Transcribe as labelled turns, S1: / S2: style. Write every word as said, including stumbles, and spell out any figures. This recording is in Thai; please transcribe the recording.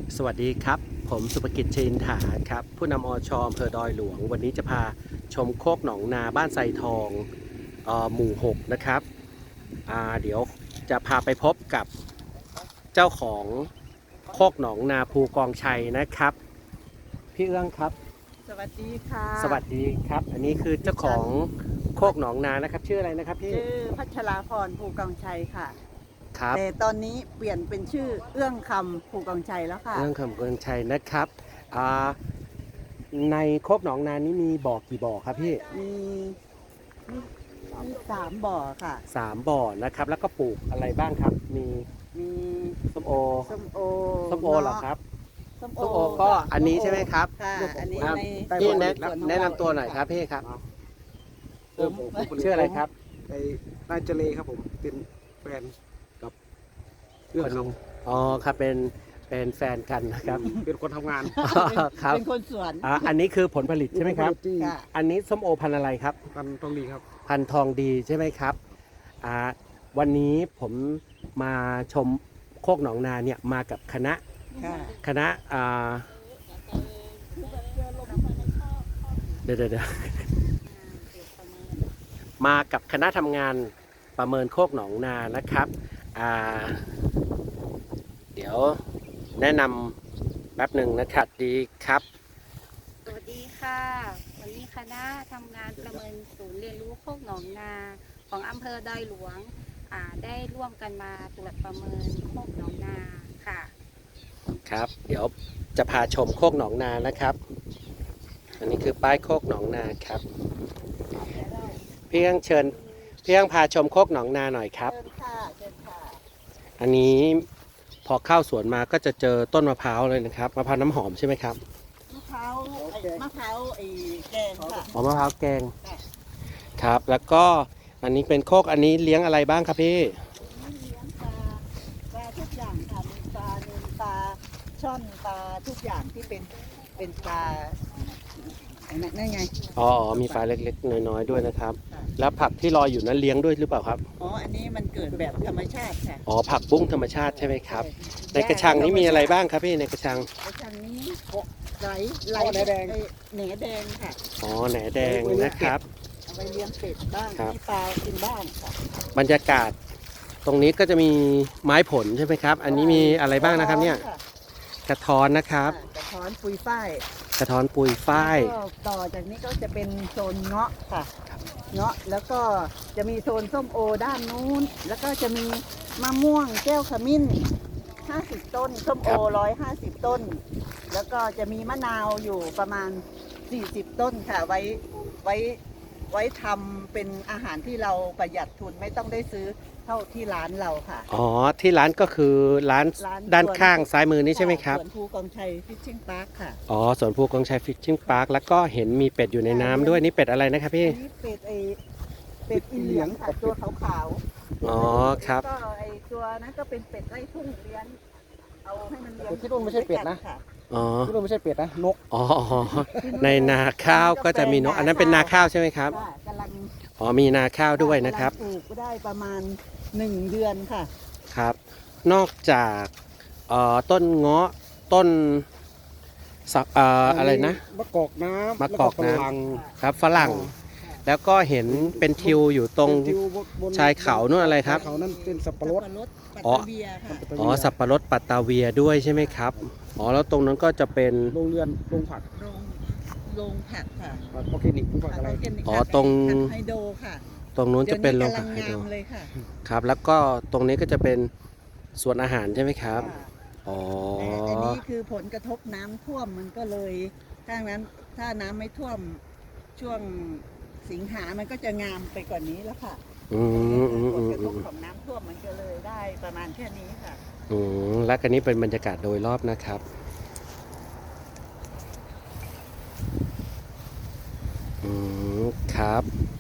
S1: สวัสดีครับผมสุภกิจชินถาครับผู้นำอชอำเภอดอยหลวงวันนี้จะพาชมโคกหนองนาบ้านไซทองเอ่อหมู่หกนะครับอ่าเดี๋ยวจะพาไปพบกับเจ้าของโคกหนองนาภูกองชัยนะครับพี่เอื้องครับ
S2: สวัสดีค่ะ
S1: สวัสดีครับอันนี้คือเจ้าของโคกหนองนานะครับชื่ออะไรนะครับพี่
S2: ชื่อพัชราพรภูกองชัยค่ะ
S1: ครับ
S2: แต่ตอนนี้เปลี่ยนเป็นชื่อเอื้องคำภูกองชัยแล้วค่ะ
S1: เรื่องคำกองชัยนะครับอ่าในโคกหนองนานี้มีบ่อกี่บ่อครับพี่
S2: มีมีมีสามบ่อค่ะ
S1: สามบ่อนะครับแล้วก็ปลูกอะไรบ้างครับ มี
S2: มี
S1: ส้มโอ
S2: ส้มโอ
S1: ส้มโอเหรอครับ
S2: ส้ม
S1: ส้มโอก็อันนี้ใช่ไหมครับ
S2: ค่ะอันนี้
S1: ครับ
S2: ใน
S1: พี่แนะ
S2: ส่วของ
S1: แนะนำตัวหน่อยครับพี่ครับ
S2: ผม
S1: ชื่ออะไรครับ
S3: ไอ้นายเจเลครับผมเป็นแฟนกับเรื่องครับ
S1: อ๋อครับเป็นเป็นแฟนกันนะครับ
S3: เป็นคนทำงาน
S1: ครับ
S2: เป็นคนสวน
S1: อ่าอันนี้คือผลผลิตใช่ไหมครับ
S3: ที่
S2: ค่ะ
S1: อันนี้ส้มโอพันธุ์อะไรครับ
S3: กันทองดีครับ
S1: พันธุ์ทองดีใช่ไหมครับอ่าวันนี้ผมมาชมโคกหนองนาเนี่ยมากับคณะ
S2: ค่ะ
S1: คณะอ่าเดี๋ยวเดี๋ยวเดี๋ยวมากับคณะทำงานประเมินโคกหนองนานะครับอ่าเดี๋ยวแนะนำแป๊บหนึ่งนะครับดีครับ
S4: สวัสดีค่ะ วันนี้คณะทำงานประเมินศูนย์เรียนรู้โคกหนองนาของอำเภอดอยหลวงอ่าได้ร่วมกันมาตรวจประเมินโคกหนองนาค่ะ
S1: ครับ เดี๋ยวจะพาชมโคกหนองนานะครับ อันนี้คือป้ายโคกหนองนาครับพี่ยังเชิญพี่ยังพาชมโคกหนองนาหน่อยครับ
S2: เชิญค่ะเชิญค่ะ
S1: อันนี้พอเข้าสวนมาก็จะเจอต้นมะพร้าวเลยนะครับมะพร้าวน้ำหอมใช่ไหมครับ
S2: มะพร้าวไอ้มะพร้าวไอ้แกงค่ะ
S1: อ๋อมะพร้าวแกง
S2: ค่ะ
S1: ครับ แล้วก็อันนี้เป็นโคกอันนี้เลี้ยงอะไรบ้างครับพี่
S2: นี่เลี้ยงปลาปลาทุกอย่างค่ะมีปลาเนินปลาช่อนปลาทุกอย่างที่เป็นเป็นปลาไอ้นั่นนั่นไง
S1: อ๋ออ๋อมีปลาเล็กๆน้อยๆด้วยนะครับ แล้วผักที่ลอยอยู่นั้นเลี้ยงด้วยหรือเปล่าครับ
S2: อ๋ออันนี้มันเกิดแบบธรรมชาติค่ะ
S1: อ๋อผักบุ้งธรรมชาติใช่ไหมครับ ในกระชังนี้มีอะไรบ้างครับพี่ในกระชัง
S2: กระชังนี้ไหลไหล
S3: อ๋อแหนแดง
S2: ไอ้แหนแดงค่ะ
S1: อ๋อแหนแดงนะครับ
S2: เอาไปเลี้ยงเป็ดบ้าง
S1: ครับ
S2: มีปลากินบ้างค่ะ
S1: บรรยากาศตรงนี้ก็จะมีไม้ผลใช่ไหมครับ อันนี้มีอะไรบ้างนะครับเนี่ย
S2: ค่ะ
S1: กระท้อนนะครับ
S2: กระท้อนปุยฝ้าย
S1: กระท้อนปุยฝ้าย
S2: แล้วก็ต่อจากนี้ก็จะเป็นโซนเงาะค่ะ เงาะแล้วก็จะมีโซนส้มโอด้านนู้น แล้วก็จะมีมะม่วงแก้วขมิ้นห้าสิบต้น ส้มโอร้อยห้าสิบต้น แล้วก็จะมีมะนาวอยู่ประมาณสี่สิบต้นค่ะ ไว้ไว้ไว้ทำเป็นอาหารที่เราประหยัดทุนไม่ต้องได้ซื้อเท่าที่ร้านเราค่ะ
S1: อ๋อที่ร้านก็คือร้าน
S2: ร้าน
S1: ด้านข้างซ้ายมือนี้ใช่ไหมครับ
S2: สวนภูกองชัยฟิชชิ่งพาร์คค่ะ
S1: อ๋อสวนภูกองชัยฟิชชิ่งพาร์คแล้วก็เห็นมีเป็ดอยู่ในน้ำด้วยนี่เป็ดอะไรนะครับพี่
S2: อันนี้เป็ดไอเป็ดอีเหลียงค่ะตัวขาวๆ
S1: อ๋อครับ
S2: ก็ไอตัวนั้นก็เป็นเป็ดไล่ทุ่งเลี้ยงเอาให้มันเลี้ยง
S3: แต่ที่นู่นไม่ใช่เป็ดนะ
S2: ค่
S1: อ๋อ
S3: ที่นู่นไม่ใช่เป็ดนะนก
S1: อ๋ออ๋อในนาข้าวก็จะมีนกอันนั้นเป็นนาข้าวใช่ไหมครับ
S2: ค่ะกำลัง
S1: อ๋อมีนาข้าวด้วยนะครับ
S2: กำลังปลูกได้ประมาณหนึ่งเดือนค่ะ
S1: ครับ นอกจากเอ่อต้นเงาะต้นสักเอ่ออะไรนะ
S3: มะกอกน้ำ
S1: มะกอกน้ำ
S3: แล้วฝรั่ง
S1: ครับฝรั่ง แล้วก็เห็นเป็นทิวอยู่ตรง
S3: เป็นทิวบน
S1: ชายเขานู่นอะไรครับ
S3: ชายเขานั่นเป็นสับปะรด
S2: ปัต
S1: อ๋อ
S2: ตาเบียค่ะ
S1: อ๋อสับปะรดปัตตาเวียด้วยใช่ไหมครับอ๋อแล้วตรงนั้นก็จะเป็น
S3: โรงเรือนโรงผัก
S2: โรงโรงผักค่ะ
S3: ผักออร์แกนิกหรือผักอะไร
S2: ผักร์แกนิก
S1: อ๋อ
S2: ค่ะ
S1: ตรง
S2: ผักไฮโดรค่ะ
S1: ตรงนู้นจะเป็นโรง
S2: ดี๋ยว
S1: ผักไฮ
S2: กำ
S1: โดร
S2: ลังงามเลยค่ะ
S1: ครับ แล้วก็ตรงนี้ก็จะเป็นสวนอาหารใช่ไหมครับ
S2: ค่ะ
S1: อ๋อ
S2: แต่อันนี้คือผลกระทบน้ำท่วมมันก็เลยถ้างั้นถ้าน้ำไม่ท่วมช่วงสิงหามันก็จะงามไปกว่านี้แล้วค่ะ
S1: อืมอืม
S2: ผ
S1: อื
S2: ล
S1: ม
S2: กระ
S1: อื
S2: ทบ
S1: ม
S2: ของน้ำท่วมมันก็เลยได้ประมาณแค่นี้ค่ะ
S1: อืมและกันนี้เป็นบรรยากาศโดยรอบนะครับ อืมครับ